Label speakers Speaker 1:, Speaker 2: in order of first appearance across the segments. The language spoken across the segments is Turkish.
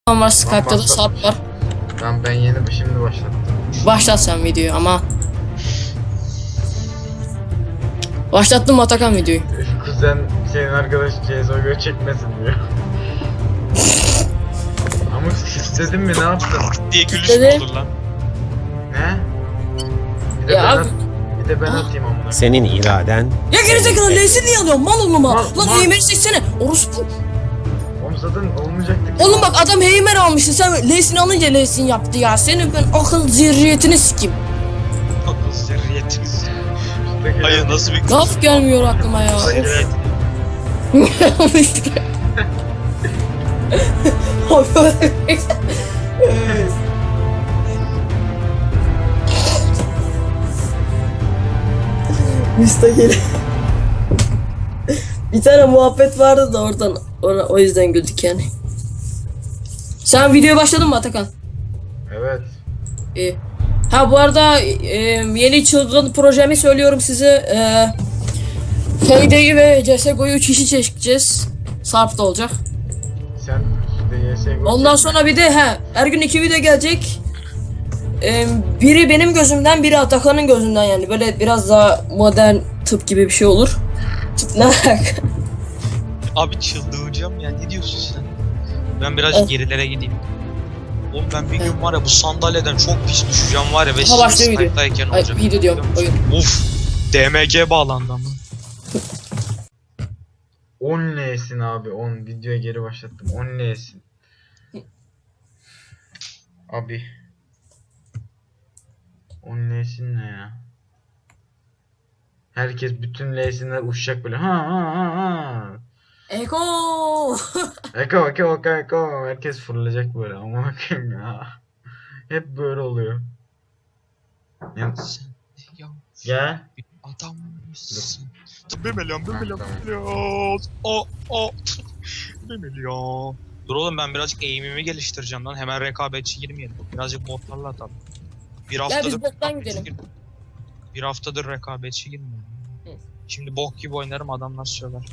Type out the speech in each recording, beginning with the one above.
Speaker 1: var, Skype'da da Sarp var.
Speaker 2: Tamam ben şimdi başladım.
Speaker 1: Başlat sen videoyu ama. Başlattım Atakan videoyu.
Speaker 2: Kuzen senin arkadaş CSGO çekmesin diyor. Ama istedim mi ne yaptın?
Speaker 3: Diye gülüş
Speaker 1: Dedi.
Speaker 3: mü olur lan?
Speaker 2: Ne? Bir de
Speaker 1: Ya
Speaker 2: ben,
Speaker 1: abi.
Speaker 2: bir de ben atayım amına.
Speaker 4: Senin iraden
Speaker 1: Ya gerizekalı L'sini niye alıyorsun? Mal oğluma.
Speaker 2: Mal,
Speaker 1: Lan
Speaker 2: mal.
Speaker 1: Heymer'i seçsene. Orospu.
Speaker 2: Oğlum zaten olmayacaktı ki.
Speaker 1: Oğlum bak adam Heymer almıştı. Sen L'sini alınca L'sini yaptı ya. Senin ben akıl zirriyetini sikeyim.
Speaker 3: Akıl zerriyetiniz.
Speaker 2: Üstteki-
Speaker 3: Hayır nasıl bir
Speaker 1: Laf gelmiyor aklıma ya.
Speaker 2: Üstteki-
Speaker 1: Müstakil. Bir tane muhabbet vardı da oradan o yüzden güldük yani. Sen videoya başladın mı Atakan?
Speaker 2: Evet.
Speaker 1: İyi. Ha bu arada yeni çılgın projemi söylüyorum size. FD'yi ve CSGO'yu 3 kişi çekeceğiz. Sarp da olacak.
Speaker 2: Sen işte CSGO
Speaker 1: Ondan sonra bir de her gün 2 video gelecek. Biri benim gözümden, biri Atakan'ın gözünden yani. Böyle biraz daha modern tıp gibi bir şey olur. Tıp ne alaka?
Speaker 3: Abi çıldıracağım ya, ne diyorsun sen? Ben birazcık gerilere gideyim. Oğlum ben bir gün var ya bu sandalyeden çok pis düşeceğim var ya ve
Speaker 1: Ha, başlıyor video.
Speaker 3: Skype'dayken
Speaker 1: Ay,
Speaker 3: olacak.
Speaker 1: video diyorum, oyun.
Speaker 3: Uf, DMG bağlandı ama.
Speaker 2: 10 L'sin abi 10 videoya geri başlattım 10 L'sin. Abi 10 L'sin ne ya? Herkes bütün L'sinler uçacak böyle ha.
Speaker 1: Eko.
Speaker 2: Eko. Herkes fırlayacak böyle ama bakayım ya. Hep böyle oluyor. Ya,
Speaker 3: Sen ya
Speaker 2: gel.
Speaker 3: adam mısın? Bir milyon. Bir milyon. Dur oğlum ben birazcık eğimimi geliştireceğim lan. Hemen rekabetçi girmeyelim. Birazcık botlarla atalım. Bir
Speaker 1: biz bottan
Speaker 3: rekabetçi
Speaker 1: gidelim.
Speaker 3: Bir haftadır rekabetçi girmiyorum.
Speaker 1: Hı.
Speaker 3: Şimdi bok gibi oynarım adamlar söyler.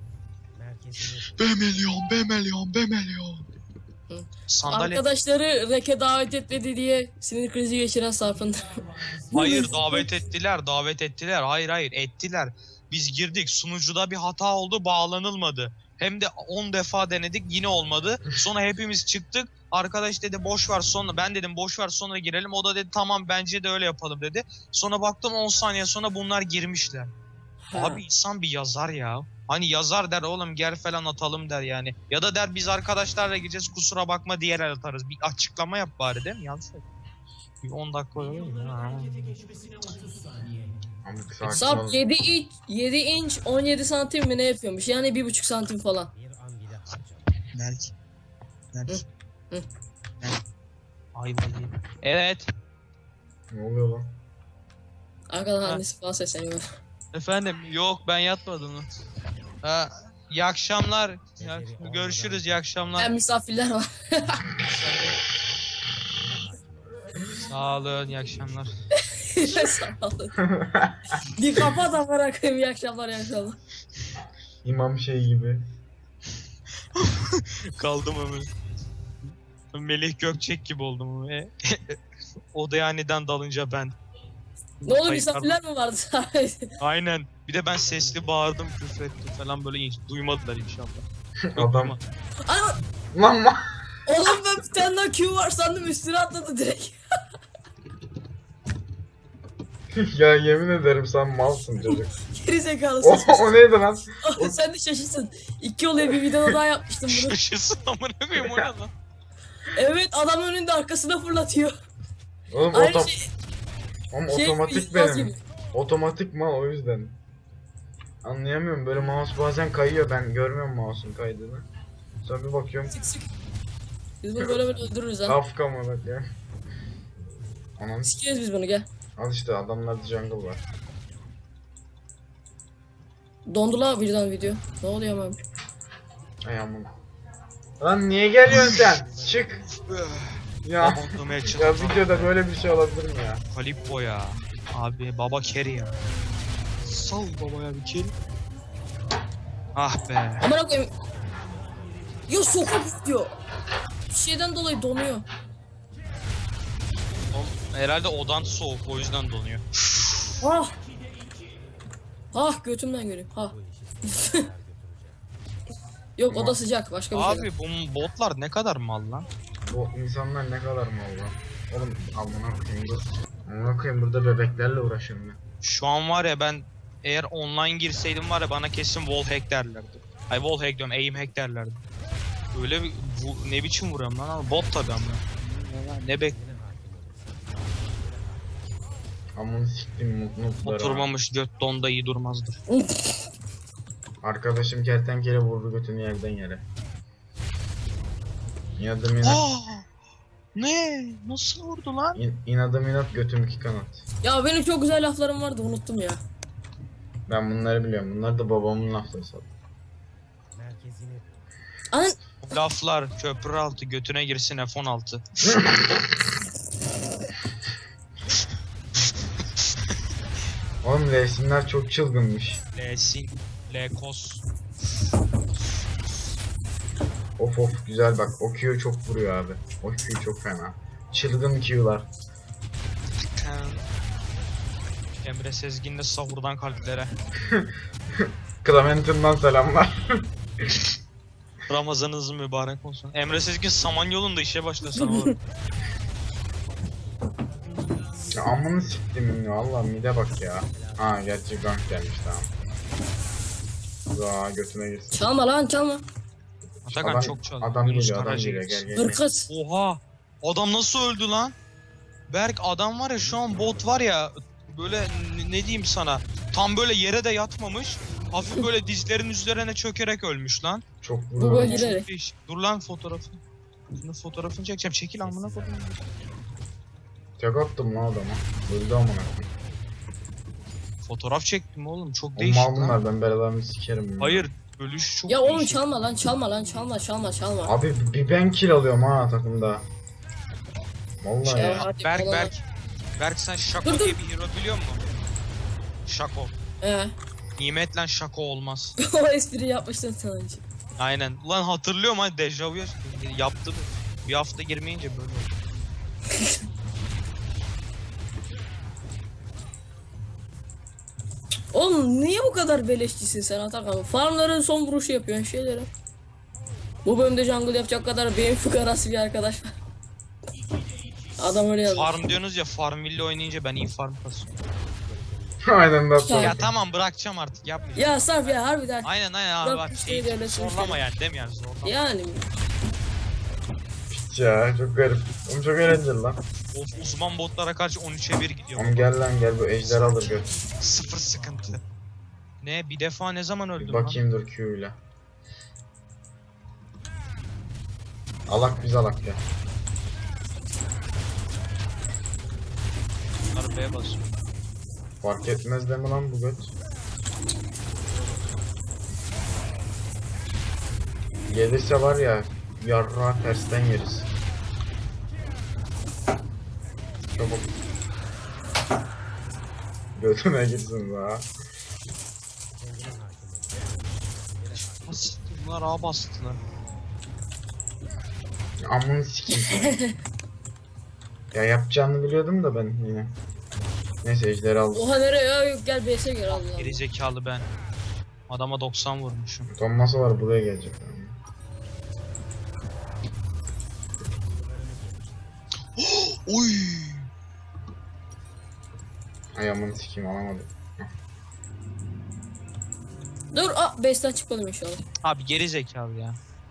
Speaker 3: B milyon.
Speaker 1: Hı.
Speaker 3: Sandalye.
Speaker 1: Arkadaşları reke davet etmedi diye sinir krizi geçiren Sarp'ın.
Speaker 3: Hayır davet ettiler. Hayır ettiler. Biz girdik sunucuda bir hata oldu bağlanılmadı. Hem de 10 defa denedik yine olmadı. Sonra hepimiz çıktık. Arkadaş dedi boş ver sonra ben dedim boş ver sonra girelim. O da dedi tamam bence de öyle yapalım dedi. Sonra baktım 10 saniye sonra bunlar girmişler. Abi insan bir yazar ya. Hani yazar der oğlum gel falan atalım der yani. Ya da der biz arkadaşlarla gideceğiz kusura bakma diğer el atarız. Bir açıklama yap bari değil mi? Yanlış söyle. Bir 10 dakika olur mu?
Speaker 1: Sarp 7 inç 17 santim mi ne yapıyormuş? Yani 1,5 santim falan.
Speaker 3: Belki.
Speaker 1: Hı.
Speaker 3: Ay vallahi. Evet.
Speaker 2: Ne oluyor lan?
Speaker 1: Arkadan annesi falan sesleniyor.
Speaker 3: Efendim yok ben yatmadım. Ha, iyi akşamlar. Görüşürüz iyi akşamlar.
Speaker 1: Misafirler var.
Speaker 3: Sağ olun iyi akşamlar.
Speaker 1: Sağ olun. Bir kapat da bırakayım. İyi akşamlar, iyi akşamlar.
Speaker 2: İmam şey gibi.
Speaker 3: Kaldım ömür. Melih Gökçek gibi oldum. Odaya aniden dalınca ben.
Speaker 1: Ne oldu,
Speaker 3: Hayır,
Speaker 1: misafirler mi vardı?
Speaker 3: Aynen. Bir de ben sesli bağırdım, küfrettim falan böyle hiç duymadılar inşallah.
Speaker 2: Adam.
Speaker 1: Ana,
Speaker 2: Lan.
Speaker 1: oğlum ben bir tane daha Q var sandım, üstüne atladı direkt.
Speaker 2: Ya yemin ederim sen malsın çocuk.
Speaker 1: Geri zekalısın.
Speaker 2: O neydi lan?
Speaker 1: Sen de şaşırsın. 2 oluyor, bir videoda daha yapmıştım bunu.
Speaker 3: Şaşırsın amına koyayım o ne lan?
Speaker 1: Evet, adam önünde arkasına fırlatıyor.
Speaker 2: Oğlum
Speaker 1: Aynı şey.
Speaker 2: otomatik
Speaker 1: gibi,
Speaker 2: benim. Otomatik mal o yüzden. Anlayamıyorum böyle mouse bazen kayıyor ben görmüyorum mouse'un kaydığını. Sonra bir bakıyorum
Speaker 1: Sık. Biz bunu böyle öldürürüz ha.
Speaker 2: Kafka mı bak ya. Anam
Speaker 1: Sikeriz biz bunu, gel.
Speaker 2: al işte adamlarda jungle var.
Speaker 1: Dondu la birden video. Ne oluyor abi?
Speaker 2: Ay aman. Lan niye geliyorsun sen? Çık. Ya.
Speaker 3: Babamlamaya
Speaker 2: Ya
Speaker 3: çalıştım.
Speaker 2: videoda böyle bir şey olabilir mi ya?
Speaker 3: Kalippo ya. Abi baba carry ya. Sal babaya bir carry. Ah be.
Speaker 1: Amına koyayım. Ya sokup diyor. şeyden dolayı donuyor.
Speaker 3: Herhalde odan soğuk, o yüzden donuyor.
Speaker 1: Ah. Ah götümden göreyim. Ha. Yok o da sıcak başka bir şey.
Speaker 3: Abi bu botlar ne kadar mal lan?
Speaker 2: Bu insanlar ne kadar mal lan. Oğlum amına koyayım dur. Amına koyayım burada bebeklerle uğraşıyorum ben.
Speaker 3: Şu an var ya, ben eğer online girseydim var ya, bana kesin wall hack derlerdi. Ay wall hack diyorum, aim hack derlerdi. Öyle bir ne biçim vuruyorum lan abi, bot tabi ama. Ne bek
Speaker 2: Amını siktim mutluları.
Speaker 3: oturmamış göt donda iyi durmazdır.
Speaker 2: Arkadaşım kertenkele vurdu götünü yerden yere. İnadım inat.
Speaker 3: Ne? Nasıl vurdu lan?
Speaker 2: İnadım inat götüm iki kanat.
Speaker 1: Ya benim çok güzel laflarım vardı unuttum ya.
Speaker 2: Ben bunları biliyorum. Bunlar da babamın lafları zaten.
Speaker 1: Anın
Speaker 3: Laflar köprü altı, götüne girsin F16.
Speaker 2: Oğlum resimler çok çılgınmış.
Speaker 3: Lesin, Lekos.
Speaker 2: Of of güzel bak. O Q çok vuruyor abi. O Q çok fena. Çılgın Q'lar.
Speaker 3: Emre Sezgin'le sahurdan kalplere.
Speaker 2: Clementin'dan selamlar.
Speaker 3: Ramazanınız mübarek olsun. Emre Sezgin Samanyolu'nda işe başlasın oğlum.
Speaker 2: Ya amını siktim ya. Allah mide bak ya. Ha gerçi gank gelmiş tamam. Za götüne girsin.
Speaker 1: çalma lan çalma.
Speaker 3: Atakan çok çaldı.
Speaker 2: Adam
Speaker 3: Yunus
Speaker 2: geliyor adam
Speaker 3: Karaca
Speaker 2: geliyor
Speaker 3: gitsin.
Speaker 2: gel gel.
Speaker 1: Hırkız.
Speaker 3: Oha! Adam nasıl öldü lan? Berk adam var ya, şu an bot var ya, böyle ne diyeyim sana, tam böyle yere de yatmamış, hafif böyle dizlerin üzerine çökerek ölmüş lan.
Speaker 2: Çok
Speaker 1: Bu
Speaker 2: vuruyor.
Speaker 1: böyle- Giderek.
Speaker 3: Çok değişik. Dur lan fotoğrafı. Şunun fotoğrafını çekeceğim. Çekil amına koyayım.
Speaker 2: Tek attım lan adama. Öldü amına koyayım.
Speaker 3: Fotoğraf çektim oğlum. Çok
Speaker 2: O
Speaker 3: değişik
Speaker 2: mal
Speaker 3: lan.
Speaker 2: bunlar ben belalarını sikerim. bunlar.
Speaker 3: Hayır, ölüş çok
Speaker 1: Ya oğlum
Speaker 3: değişik.
Speaker 1: çalma lan çalma lan çalma.
Speaker 2: Abi bir ben kill alıyorum ha takımda. Vallahi
Speaker 1: Ya,
Speaker 2: ya.
Speaker 1: hadi
Speaker 3: Berk
Speaker 1: falan.
Speaker 3: Berk sen Şako
Speaker 1: Dur,
Speaker 3: diye bir hero biliyor musun? Şako. Nimetle Şako olmaz.
Speaker 1: O espri yapmıştın sen önce.
Speaker 3: Aynen. Ulan hatırlıyorum hani, dejavu yaptım. Bir hafta girmeyince böyle oldu.
Speaker 1: Oğlum niye bu kadar beleşçisin sen Atakan? Farmların son vuruşu yapıyorsun şeylere. Bu bölümde jungle yapacak kadar beyin fıkarası bir arkadaş var. Adam öyle yazmış.
Speaker 3: Farm diyorsunuz ya, Farmville oynayınca ben iyi farm kasıyorum.
Speaker 2: Aynen da
Speaker 1: Ya,
Speaker 3: Ya tamam, bırakacağım artık, yapmayacağım.
Speaker 1: Ya Sarp ya harbiden.
Speaker 3: Aynen abi
Speaker 1: Bırak
Speaker 3: bak,
Speaker 1: bir şey de öyle
Speaker 3: zorlama yani, değil mi yani, zorlama.
Speaker 1: Yani
Speaker 2: piç ya çok garip. Oğlum çok eğlenceli lan.
Speaker 3: Of, uzman botlara karşı 13'e 1 gidiyor.
Speaker 2: Oğlum gel lan gel bu ejder alır göt.
Speaker 3: Sıfır sıkıntı. Ne, bir defa ne zaman
Speaker 2: Bir
Speaker 3: öldüm lan?
Speaker 2: bakayım dur Q ile. Alak biz alak ya.
Speaker 3: Bunları B'ye basıyor.
Speaker 2: Fark etmez de mi lan bu göt? Gelirse var ya yarrağı tersten yeriz. Çabuk. Götüne gitsin daha.
Speaker 3: Nasıl? Bunlar A bastılar.
Speaker 2: Amını sikeyim seni. Ya yapacağını biliyordum da ben yine. Neyse ejderi aldım.
Speaker 1: oha nereye ya yok gel BS'e gel Allah.
Speaker 3: Geri zekalı ben. Adama 90 vurmuşum.
Speaker 2: Utanması var buraya gelecek.
Speaker 3: Oy!
Speaker 2: Ay amını sikeyim alamadım.
Speaker 1: Dur base'den çıkmadım inşallah.
Speaker 3: Abi geri zekalı ya.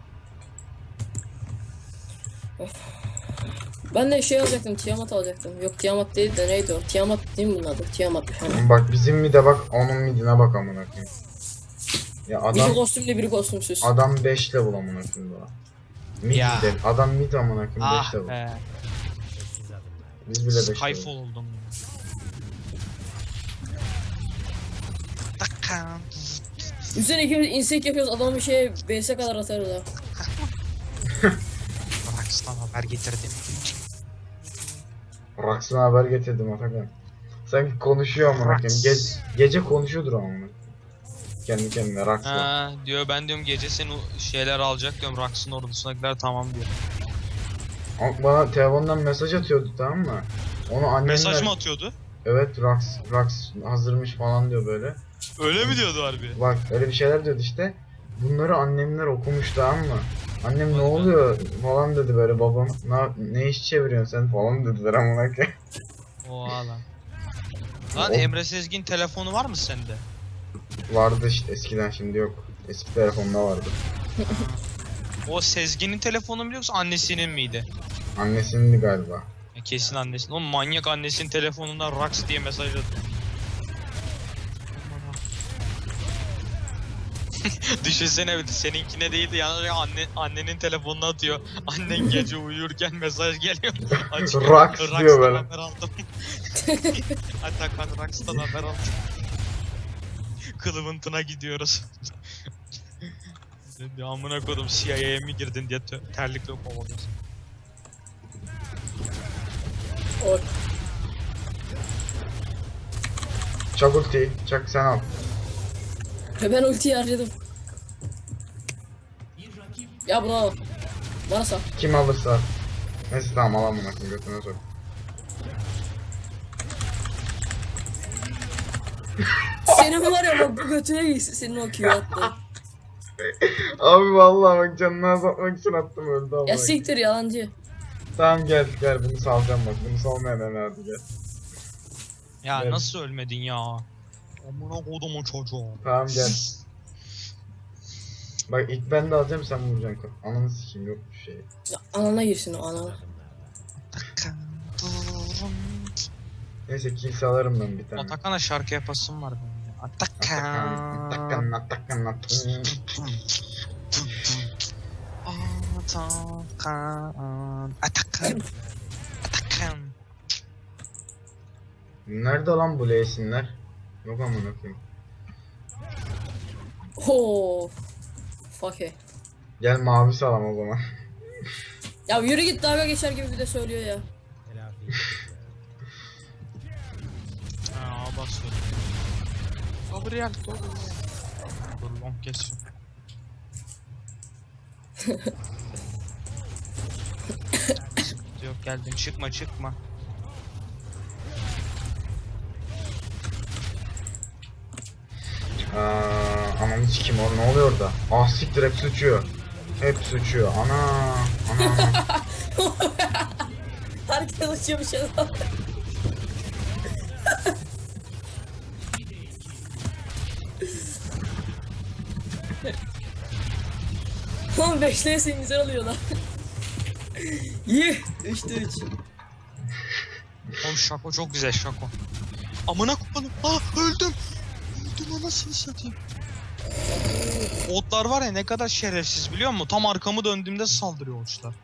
Speaker 1: Ben de şey alacaktım Tiamat alacaktım. Yok Tiamat değil de neydi o? Tiamat değil mi bunun adı? Tiamat. Hani.
Speaker 2: Bak bizim mide bak onun midine bak amına koyayım. Ya
Speaker 1: Biri
Speaker 2: adam
Speaker 1: kostümlü biri kostümsüz.
Speaker 2: adam 5 level amına koyayım daha. Mid
Speaker 3: Ya.
Speaker 2: de adam mid amına koyayım 5
Speaker 3: Ah
Speaker 2: level.
Speaker 3: be.
Speaker 2: Biz bile 5 level.
Speaker 3: Skyfall oldum. Takan.
Speaker 1: Üzerine ikimiz insek yapıyoruz adamı şey BS'e kadar atarız ha.
Speaker 3: Rockstar haber getirdim.
Speaker 2: Raksın haber getirdim Atakan. Sanki konuşuyor amına koyayım. Gece konuşuyordur amına koyayım. Kendi kendine Raksın.
Speaker 3: Ha diyor, ben diyorum gece seni şeyler alacak diyorum, Rocks'ın ordusundakiler tamam diyor.
Speaker 2: Bana telefondan mesaj atıyordu, tamam mı? Onu annemler...
Speaker 3: Mesaj mı atıyordu?
Speaker 2: Evet, Rax hazırmış falan diyor böyle.
Speaker 3: Öyle mi diyordu harbi?
Speaker 2: Bak öyle bir şeyler diyordu işte. Bunları annemler okumuş, tamam mı? Annem ne
Speaker 3: Hadi be.
Speaker 2: oluyor falan dedi böyle, babam ne iş çeviriyorsun sen falan dediler amına koyayım.
Speaker 3: Oha lan. Lan
Speaker 2: O-
Speaker 3: Emre Sezgin telefonu var mı sende?
Speaker 2: Vardı işte eskiden, şimdi yok. Eski telefonda vardı.
Speaker 3: O Sezgin'in telefonu mu yoksa annesinin miydi?
Speaker 2: Annesindi galiba.
Speaker 3: Ya kesin annesinin. O manyak annesinin telefonundan Rax diye mesaj atıyor. Düşünsene bir de seninkine değildi yani annenin telefonunu atıyor. Annen gece uyurken mesaj geliyor. Açıyor.
Speaker 2: Rax diyor
Speaker 3: Rax'tan
Speaker 2: böyle.
Speaker 3: haber aldım. Atakan Rax'tan haber aldım. Kılıbıntına gidiyoruz. Ya amına kodum CIA'ya mi girdin diye terlikle kovalıyorsun.
Speaker 1: O
Speaker 2: Çak ultiyi, çak sen al.
Speaker 1: ben ultiyi harcadım. Ya bunu al. Bana sal.
Speaker 2: Kim alırsa. Neyse tamam, al amına koyayım, götüne sok.
Speaker 1: Senin var ya bak bu götüne gitsin senin o Q attı.
Speaker 2: Abi vallahi bak, canını azaltmak için attım, öldü ama.
Speaker 1: Ya siktir yalancı.
Speaker 2: Tamam gel bunu salacağım bak, bunu salmayan hadi gel.
Speaker 3: Ya
Speaker 2: Evet.
Speaker 3: nasıl ölmedin ya? Amına kodumun çocuğu.
Speaker 2: Tamam gel. Bak ilk ben de alacağım, sen vuracaksın. Ananı sikeyim, yok bir şey.
Speaker 1: Ya, anana girsin o anana.
Speaker 2: Neyse kill salarım ben bir tane.
Speaker 3: Atakan'a şarkı yapasım var benim ya.
Speaker 2: Atakan, Atakan, Atakan, Atakan.
Speaker 3: Atakan. Atakan.
Speaker 2: Nerede lan bu L'sinler? Yok amına koyayım.
Speaker 1: Oo. Fuck it.
Speaker 2: Gel mavi salam o zaman.
Speaker 1: Ya yürü git dalga geçer gibi bir de söylüyor ya.
Speaker 3: Aa basıyorum. Gabriel, Gabriel. Dur long geçsin. Yok geldim, çıkma.
Speaker 2: Ananı sikeyim, o ne oluyor orada? Ah siktir, hep sıçıyor. Hep sıçıyor. Ana.
Speaker 1: Herkes uçuyor bir şey daha. Oğlum 5'leyesin güzel oluyor lan. Yih 3'te 3.
Speaker 3: Oğlum şako çok güzel şako. Amına koyayım. Ah öldüm. Öldüm anasını satayım. Otlar var ya ne kadar şerefsiz biliyor musun? Tam arkamı döndüğümde saldırıyor otlar.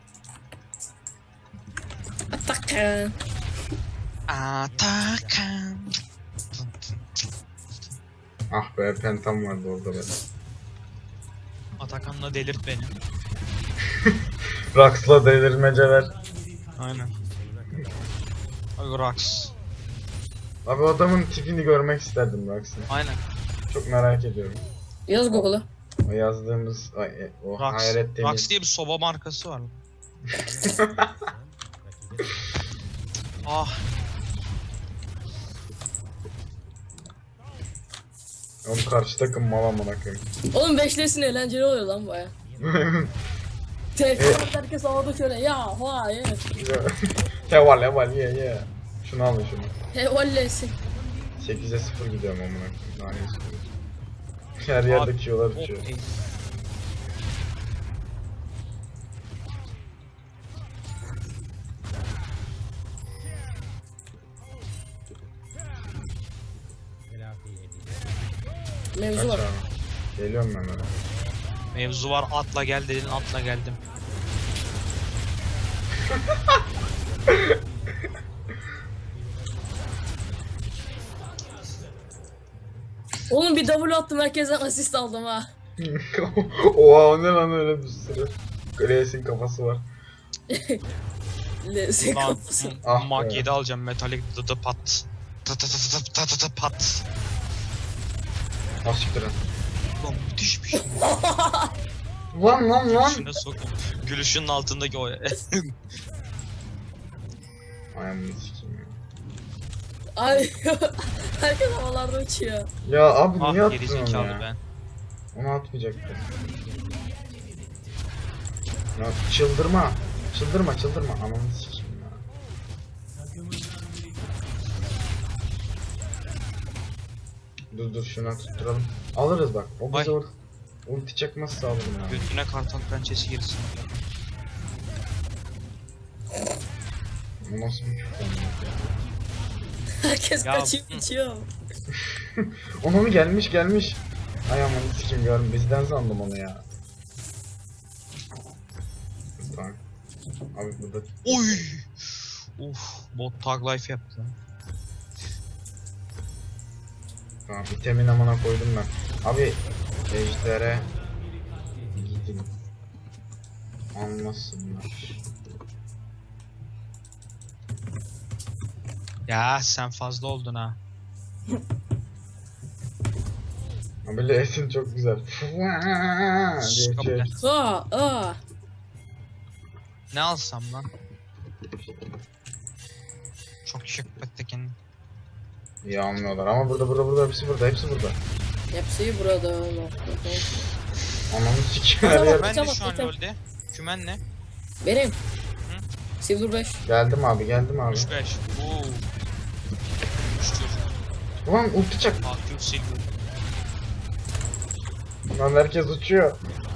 Speaker 1: Atakan.
Speaker 3: Atakan.
Speaker 2: Ah be, pentam vardı orada be.
Speaker 3: Atakan'la delirt beni.
Speaker 2: Rax'la delirmeceler.
Speaker 3: Aynen. Ay Rax.
Speaker 2: Abi o adamın tipini görmek isterdim Rax'ın.
Speaker 3: Aynen.
Speaker 2: Çok merak ediyorum.
Speaker 1: Yaz Google'a.
Speaker 2: O yazdığımız o
Speaker 3: Rax.
Speaker 2: hayal ettiğimiz.
Speaker 3: Rax diye bir soba markası var. Ah.
Speaker 2: Oğlum karşı takım mal amına koyayım.
Speaker 1: Oğlum 5'leyesin eğlenceli oluyor lan baya. Tekrar herkes havada şöyle ya vay
Speaker 2: Heval ye. Şunu alın şunu.
Speaker 1: Hevallesin.
Speaker 2: 8'e 0 gidiyorum amına koyayım. Daha ne istiyorsun? Her yerde kiyolar uçuyor.
Speaker 3: Okey.
Speaker 1: Mevzu
Speaker 2: Kaç
Speaker 1: var.
Speaker 2: abi? Geliyorum ben öyle.
Speaker 3: Mevzu var atla gel dedin atla geldim.
Speaker 1: Oğlum bir W attım herkesten asist aldım ha.
Speaker 2: Oha, o ne lan öyle bir sürü. Grace'in kafası var.
Speaker 1: Lezzet
Speaker 3: Lan
Speaker 1: kapısı.
Speaker 2: Ah
Speaker 3: Mag
Speaker 2: be.
Speaker 3: 7 alacağım metalik dıdı pat. Tı pat.
Speaker 2: Ah siktir lan.
Speaker 3: Lan müthiş bir şey.
Speaker 2: Lan.
Speaker 3: Gülüşüne sokun. Gülüşünün altındaki o
Speaker 2: Ayağımını sikeyim ya.
Speaker 1: Ay herkes havalarda uçuyor.
Speaker 2: Ya abi niye
Speaker 3: Ah
Speaker 2: attın onu
Speaker 3: gerizekalı
Speaker 2: ya?
Speaker 3: ben.
Speaker 2: Onu atmayacaktım. Ya çıldırma. Çıldırma. Ananı sikeyim ya. Dur şuna tutturalım. Alırız bak. O bize
Speaker 3: Ay.
Speaker 2: ulti çekmezse alırım ya.
Speaker 3: Götüne kartal pençesi girsin.
Speaker 2: Bu nasıl bir küfür ya?
Speaker 1: Herkes
Speaker 3: Ya,
Speaker 1: kaçıyor uçuyor.
Speaker 2: Ona mı gelmiş? Ay aman sikeyim görüm. Bizden sandım onu ya. Tamam. Abi burada.
Speaker 3: Oy! Uf, bot tag life yaptı lan.
Speaker 2: Tamam itemin amına koydum ben. Abi ejdere gidin. Anlasınlar.
Speaker 3: Ya sen fazla oldun ha.
Speaker 2: Abi L'sin çok güzel. diye
Speaker 3: Kabul
Speaker 2: çek.
Speaker 3: et.
Speaker 1: Aa.
Speaker 3: Ne alsam lan? Çok şık beklekin.
Speaker 2: İyi almıyorlar ama burada hepsi burada.
Speaker 1: Hepsi burada.
Speaker 2: Ananı sikeyim her
Speaker 1: Tamam,
Speaker 2: yer.
Speaker 3: Ben de
Speaker 1: tamam,
Speaker 3: şu an
Speaker 1: tamam.
Speaker 3: LoL'de. Kümen ne?
Speaker 1: Benim. Silver 5.
Speaker 2: Geldim abi.
Speaker 3: 3-5. Oo. 3 çocuk.
Speaker 2: Ulan ulti çak.
Speaker 3: Aktif silver.
Speaker 2: Lan herkes uçuyor.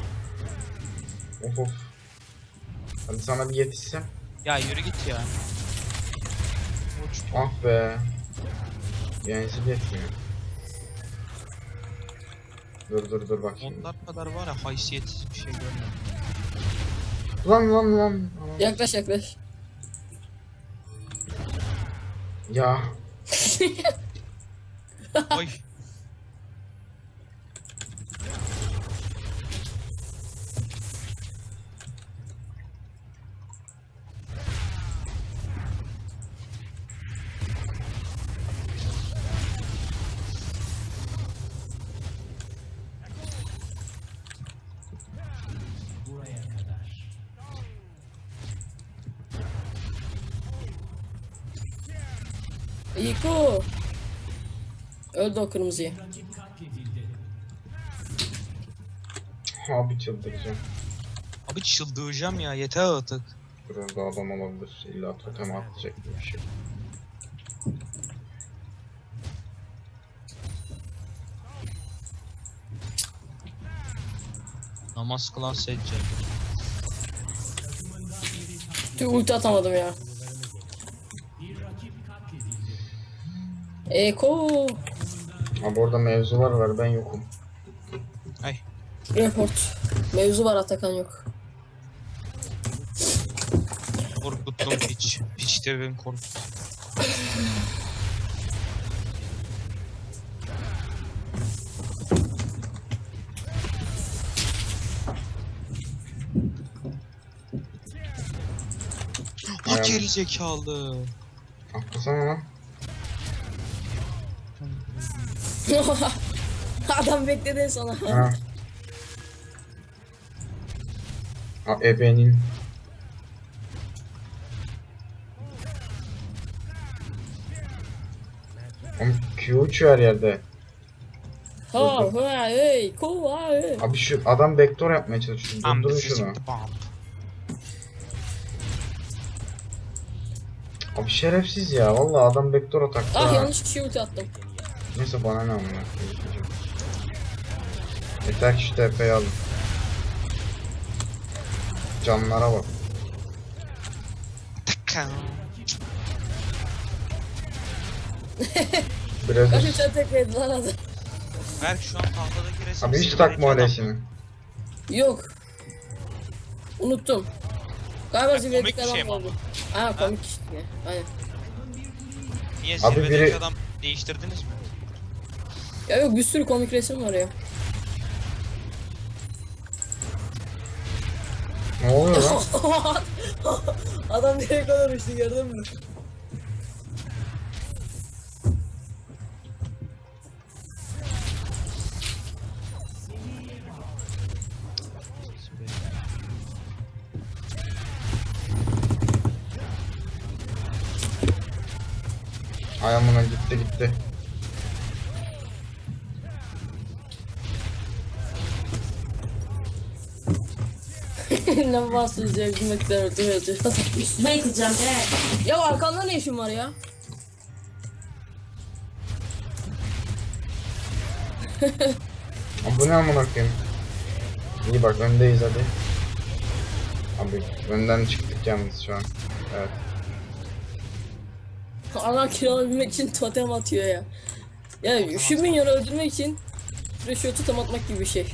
Speaker 2: Of. Hadi sana bir yetişsem.
Speaker 3: Ya yürü git ya. Uç.
Speaker 2: Ah be. Yenisi yetmiyor. Dur bak şimdi.
Speaker 3: Onlar kadar var ya haysiyetsiz bir şey görmedim.
Speaker 2: Lan. Aman.
Speaker 1: Yaklaş.
Speaker 2: Ya.
Speaker 3: Oy.
Speaker 1: İko. Öldü o kırmızıyı.
Speaker 2: Abi çıldıracağım.
Speaker 3: Abi çıldıracağım ya yeter artık.
Speaker 2: Biraz daha adam olabilir. İlla totem atacak bir şey.
Speaker 3: Namaz kılan seccade.
Speaker 1: Tüh ulti atamadım ya. Eko.
Speaker 2: Abi orada mevzular var ben yokum.
Speaker 3: Ay.
Speaker 1: Report. Mevzu var, Atakan yok.
Speaker 3: Korkuttum piç. Piç de beni korkut. O
Speaker 2: Ayağım.
Speaker 3: geri zekalı.
Speaker 2: Atlasana lan.
Speaker 1: Adam bekledi sana.
Speaker 2: Ha. Ha ebenin. Oğlum Q uçuyor her yerde.
Speaker 1: Ha hey ko ha hey.
Speaker 2: Abi şu adam backdoor yapmaya çalışıyor.
Speaker 3: I'm the
Speaker 2: Durdurun şunu.
Speaker 3: physical bomb.
Speaker 2: Abi şerefsiz ya. Vallahi adam backdoor atakta.
Speaker 1: Ah
Speaker 2: ha.
Speaker 1: yanlış kişiye ulti attım.
Speaker 2: Neyse bana ne amına. Yeter ki şu TP'yi alın. Canlara bak.
Speaker 3: Tıkkan.
Speaker 2: Biraz
Speaker 1: Kaç uçağı tekledi lan adam.
Speaker 3: Berk şu an tahtadaki resim.
Speaker 2: Abi hiç
Speaker 3: silver
Speaker 2: takma
Speaker 3: iki adam.
Speaker 2: öylesini.
Speaker 1: Yok. Unuttum. Galiba
Speaker 3: Ya,
Speaker 1: zirvedeki
Speaker 3: komik bir şey
Speaker 1: adam
Speaker 3: mi
Speaker 1: oldu. Ha komik işte. Aynen.
Speaker 3: Niye
Speaker 2: Abi
Speaker 3: zirvedeki
Speaker 2: biri-
Speaker 3: adam değiştirdiniz mi?
Speaker 1: Ya yok bir sürü komik resim var ya.
Speaker 2: Ne oluyor lan?
Speaker 1: Adam direkt ona uçtu, gördün mü?
Speaker 2: Ay amına gitti.
Speaker 1: Ne bahsediyorsun ya? Gülmekten öldürüyoruz.
Speaker 4: Üstüme yıkılacağım be.
Speaker 1: Ya arkanda ne işin var ya?
Speaker 2: Abi bu ne amına koyayım? İyi bak öndeyiz hadi. Abi önden çıktık yalnız şu an. Evet.
Speaker 1: Ana kiralayabilmek için totem atıyor ya. Ya şu minyonu öldürmek için şuraya totem atmak gibi bir şey.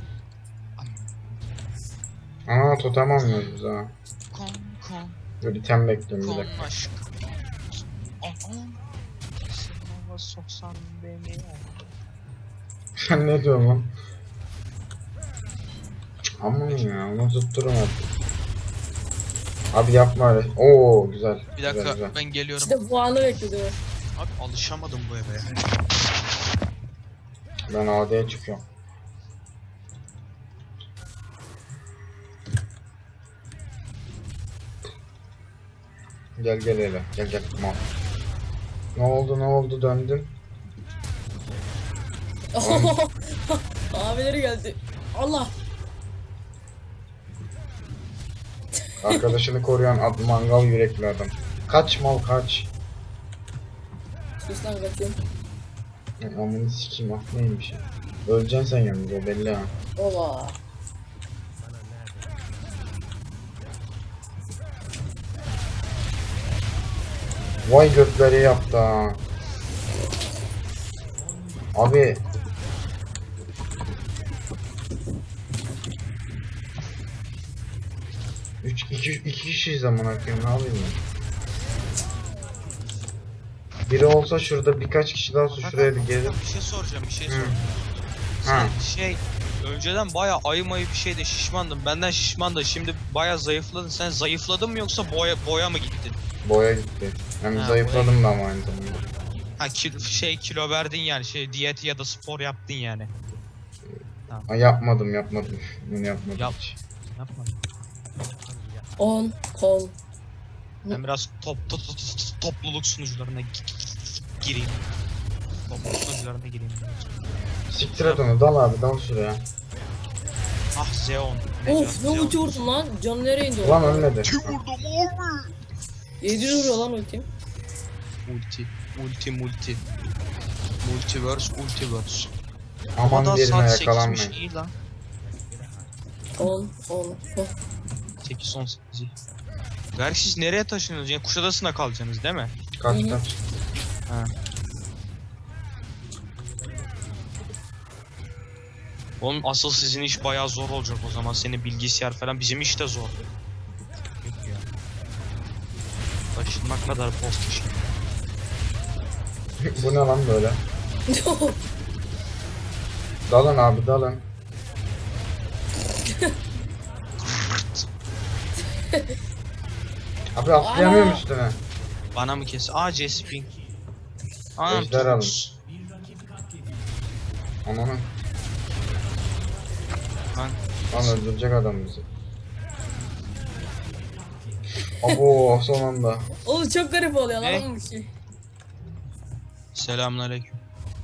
Speaker 2: Aa totem almıyoruz biz ha.
Speaker 3: Kon kon
Speaker 2: Dur item bekliyorum bir
Speaker 3: kon
Speaker 2: dakika.
Speaker 3: aşk. Sınava soksan beni.
Speaker 2: Sen ne diyorsun lan? Aman ya onu tutturun artık. Abi yapma öyle. Oo güzel.
Speaker 3: Bir dakika
Speaker 2: Güzel, güzel.
Speaker 3: ben geliyorum.
Speaker 1: İşte bu anı bekledim.
Speaker 3: Abi alışamadım bu eve ya.
Speaker 2: Ben AD'ye çıkıyorum. Gel hele. Gel mal. Ne oldu döndün.
Speaker 1: Abileri geldi. Allah.
Speaker 2: Arkadaşını koruyan mangal yürekli adam. Kaç mal kaç.
Speaker 1: Sus lan kaçıyorum.
Speaker 2: Amını sikeyim ah neymiş ya. Öleceksin sen yalnız o belli ha.
Speaker 1: Ola.
Speaker 2: Vay gökleri yaptı ha. Abi. İki kişiyiz amına koyayım ne yapayım ben? Biri olsa şurada birkaç kişi daha olsa şuraya bir gelip.
Speaker 3: Bir şey soracağım, bir şey
Speaker 2: Hı.
Speaker 3: soracağım.
Speaker 2: Ha.
Speaker 3: Sen önceden baya ayı mayı bir şeyde şişmandın. Benden şişmandın. Şimdi baya zayıfladın. Sen zayıfladın mı yoksa boya mı gittin?
Speaker 2: Boya gitti. Hem
Speaker 3: Ha,
Speaker 2: zayıfladım da ama aynı zamanda.
Speaker 3: Ha kilo verdin yani diyet ya da spor yaptın yani.
Speaker 2: Ha, yapmadım. Bunu yapmadım
Speaker 3: Yap.
Speaker 2: hiç.
Speaker 3: Yapma.
Speaker 1: 10 kon.
Speaker 3: Ben biraz topluluk sunucularına gireyim. Topluluk sunucularına gireyim.
Speaker 2: Siktir et onu dal şuraya.
Speaker 3: Ah Zeon.
Speaker 1: Of ne ulti vurdum lan. Canı nereye indi o?
Speaker 2: Ulan ölmedi.
Speaker 3: Kim vurdum abi?
Speaker 1: 700 vuruyor lan ultim.
Speaker 3: Multiverse.
Speaker 2: Aman
Speaker 3: Ama
Speaker 2: birine
Speaker 3: saat 8'miş
Speaker 2: yakalanmayın.
Speaker 3: iyi lan.
Speaker 1: 10.
Speaker 3: 8-18. Gerçi siz nereye taşınıyorsunuz? Yani Kuşadası'na kalacaksınız değil mi?
Speaker 2: Kaç
Speaker 1: Hı hı.
Speaker 2: kaç.
Speaker 3: Ha. Oğlum asıl sizin iş bayağı zor olacak o zaman. Senin bilgisayar falan bizim iş de zor. Yok ya. Taşınmak kadar post işi.
Speaker 2: Bu ne lan böyle? Dalın abi dalın. Abi atlayamıyorum
Speaker 1: Ana.
Speaker 2: üstüne.
Speaker 3: Bana mı kes? Aa Jesping. Anam
Speaker 2: Ejder alın.
Speaker 3: Turks.
Speaker 2: Ananı.
Speaker 3: Lan
Speaker 2: Lan öldürecek adam bizi. Abo son anda.
Speaker 1: Oğlum çok garip oluyor
Speaker 3: Ne?
Speaker 1: lan bu şey.
Speaker 3: selamünaleyküm.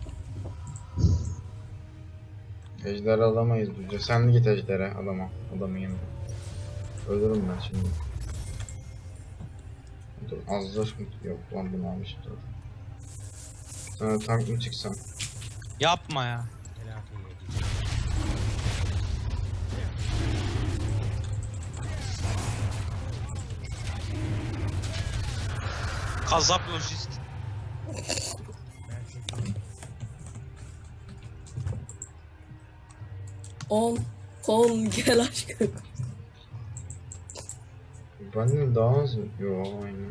Speaker 2: Ejder alamayız biz. Sen git ejdere adamın yanına. Ölürüm ben şimdi. Dur azdır yok lan bunu almışım dur. Sana tank mı çıksam?
Speaker 3: Yapma ya. Kazap lojist.
Speaker 1: On kon gel aşkım.
Speaker 2: Benden daha az mı? Yo aynen.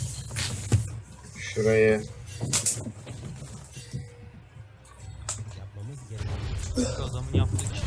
Speaker 2: Şuraya
Speaker 3: Şu adamın yaptığı iş.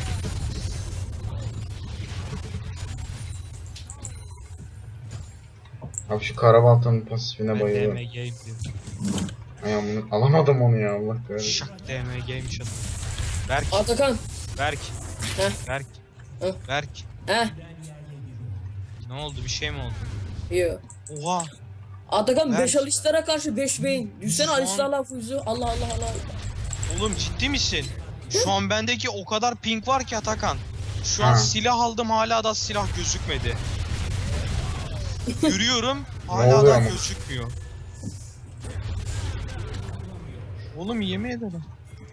Speaker 2: abi şu karabaltanın pasifine
Speaker 3: Ben
Speaker 2: bayılıyorum.
Speaker 3: DMG'yim diyor.
Speaker 2: Ay amına alamadım onu ya Allah kahretsin.
Speaker 3: Şak DMG'ymiş adam. Berk.
Speaker 1: Atakan.
Speaker 3: Berk.
Speaker 1: Heh.
Speaker 3: Berk.
Speaker 1: Heh.
Speaker 3: Berk.
Speaker 1: Heh.
Speaker 3: Ne oldu? Bir şey mi oldu?
Speaker 1: Yo.
Speaker 3: Oha.
Speaker 1: Atakan 5
Speaker 3: Ver.
Speaker 1: Alistar'a karşı 5 beyin. Düşsene
Speaker 3: Şu an-
Speaker 1: Alistar'la Fuzu. Allah Allah Allah.
Speaker 3: Oğlum ciddi misin? Şu an bendeki o kadar ping var ki Atakan. Şu an
Speaker 2: Ha.
Speaker 3: silah aldım, hala da silah gözükmedi. Yürüyorum,
Speaker 2: Ne
Speaker 3: hala
Speaker 2: oluyor
Speaker 3: da
Speaker 2: ama?
Speaker 3: gözükmüyor. Oğlum yemin ederim.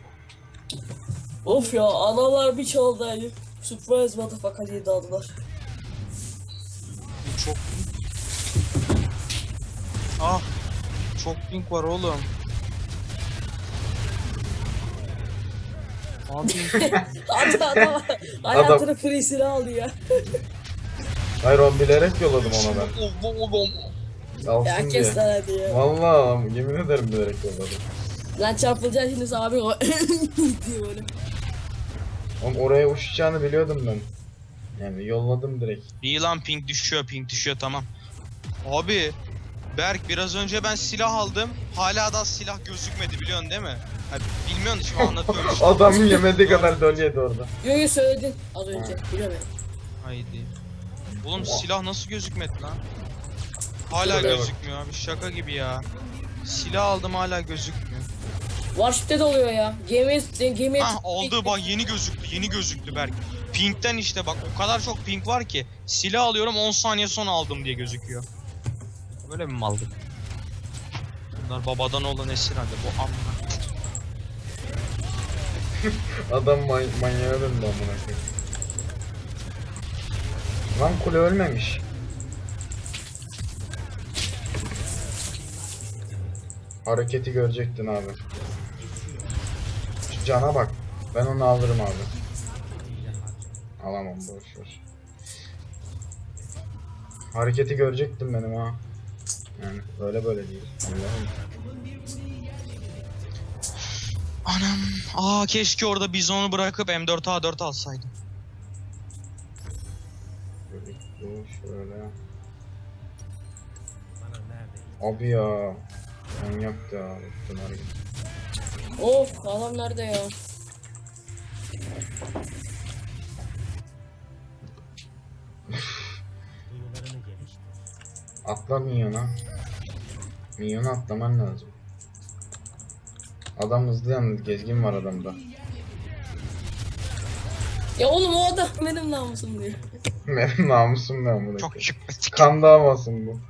Speaker 1: Of ya analar bir çaldaydı. Surprise motherfucker diye daldılar.
Speaker 3: Bu çok... Ah! Çok ping var oğlum. Abi
Speaker 1: Adam hayatını free'sini aldı ya.
Speaker 2: Hayır o bilerek yolladım ona ben.
Speaker 3: oğlum.
Speaker 2: Alsın
Speaker 1: Ya
Speaker 2: diye.
Speaker 1: kes lan hadi ya.
Speaker 2: Vallahi yemin ederim bilerek yolladım.
Speaker 1: Lan çarpılacaksın şimdi abi o diye böyle.
Speaker 2: Oğlum oraya uçacağını biliyordum ben. Yani yolladım direkt.
Speaker 3: İyi lan ping düşüyor tamam. Abi Berk biraz önce ben silah aldım. Hala da silah gözükmedi biliyorsun değil mi? Ha, bilmiyorsun şimdi anlatıyorum işte.
Speaker 2: Adamın yemediği kadar dön yedi orada.
Speaker 1: Yo yo söyledin az önce. Biliyorum ya.
Speaker 3: Haydi. Oğlum silah nasıl gözükmedi lan? Hala
Speaker 2: Şuraya bak.
Speaker 3: gözükmüyor abi şaka gibi ya. Silah aldım hala gözükmüyor.
Speaker 1: Warship'te de oluyor ya. Gemiye
Speaker 3: Ah oldu bak yeni gözüktü Berk. Ping'den işte bak o kadar çok ping var ki silah alıyorum 10 saniye sonra aldım diye gözüküyor. Böyle mi maldık? Bunlar babadan olan esir halde bu amına.
Speaker 2: Adam manyağa döndü amına koyayım. Lan kule ölmemiş. Hareketi görecektin abi. Şu cana bak. Ben onu alırım abi. Alamam boş ver. Hareketi görecektim benim ha. Yani böyle değil. Allah'ım.
Speaker 3: Anam. Aa keşke orada bizonu bırakıp M4A4 alsaydım.
Speaker 2: Böyle dur şöyle. Abi ya. Manyaktı ya. Bütün hareket.
Speaker 1: Of adam nerede ya?
Speaker 2: Atla minyona. Minyona atlaman lazım. Adam hızlı yalnız, gezgin var adamda.
Speaker 1: Ya oğlum o adam benim namusum diyor.
Speaker 2: Benim namusum ne amına
Speaker 3: Çok
Speaker 2: koyayım.
Speaker 3: şık.
Speaker 2: Kan davasın bu.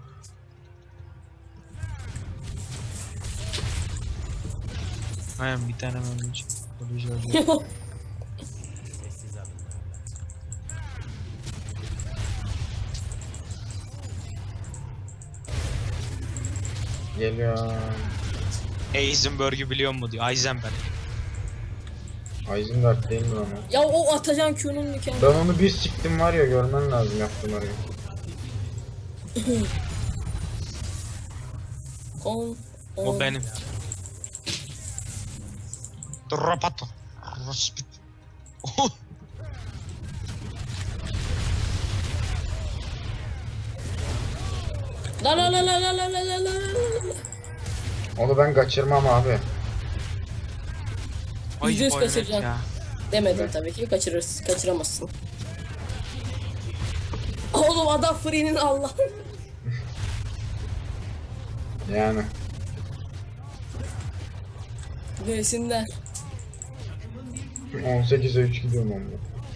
Speaker 3: Aynen bir tane ölmeyecek.
Speaker 2: Geliyor.
Speaker 3: Heisenberg'ü biliyor mu diyor. Heisenberg.
Speaker 2: Heisenberg değil mi lan o?
Speaker 1: Ya o Atacan Q'nun mükemmel.
Speaker 2: Ben onu bir siktim var ya, görmen lazım yaptığım arayı.
Speaker 3: O benim. Dropato. Rospit.
Speaker 1: La la la la la la la la la.
Speaker 2: Onu ben kaçırmam abi.
Speaker 3: Ay
Speaker 1: %100
Speaker 3: bayonet
Speaker 1: kaçıracaksın.
Speaker 3: ya.
Speaker 1: Demedim
Speaker 2: Evet.
Speaker 1: tabii ki kaçıramazsın. Oğlum adam free'nin Allah.
Speaker 2: Yani.
Speaker 1: Desinler.
Speaker 2: 18'e 3 gidiyorum onunla.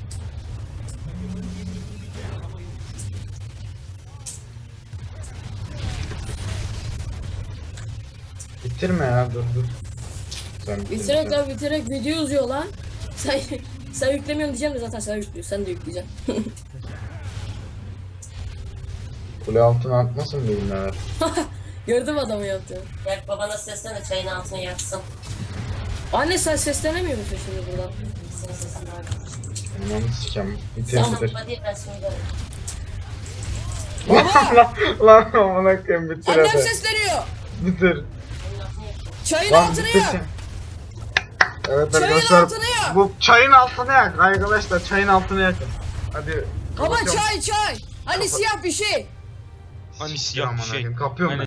Speaker 2: Bitirme ya, dur. Sen
Speaker 1: Bitirek
Speaker 2: bitirme.
Speaker 1: abi bitirek video uzuyor lan. Sen yüklemiyorsun diyeceğim de zaten sen yüklüyor. Sen de yükleyeceksin.
Speaker 2: Kule altına atmasın beyinler.
Speaker 1: Gördüm adamı yaptığını.
Speaker 4: Berk babana seslene çayın altına yatsın.
Speaker 1: Anne sen seslenemiyor musun şimdi buradan?
Speaker 4: Senin sesini var.
Speaker 2: Ananı sikem. Bitir
Speaker 4: Tamam
Speaker 2: bitir.
Speaker 4: hadi ben söylerim.
Speaker 2: Lan amına koyayım, bitir
Speaker 1: Annem
Speaker 2: hadi.
Speaker 1: sesleniyor.
Speaker 2: Bitir.
Speaker 1: Çayın
Speaker 2: Lan
Speaker 1: altını
Speaker 2: bitir
Speaker 1: yak.
Speaker 2: sen. Evet
Speaker 1: Çayın
Speaker 2: arkadaşlar,
Speaker 1: altını yak.
Speaker 2: bu çayın altını yak arkadaşlar, çayın altını yakın. Hadi.
Speaker 1: Baba
Speaker 2: kapatıyorum.
Speaker 1: çay. Hani siyah bir şey.
Speaker 3: Hani siyah bir
Speaker 2: Aman
Speaker 3: şey.
Speaker 2: Allah'ım, kapıyorum
Speaker 3: Hani
Speaker 2: ben.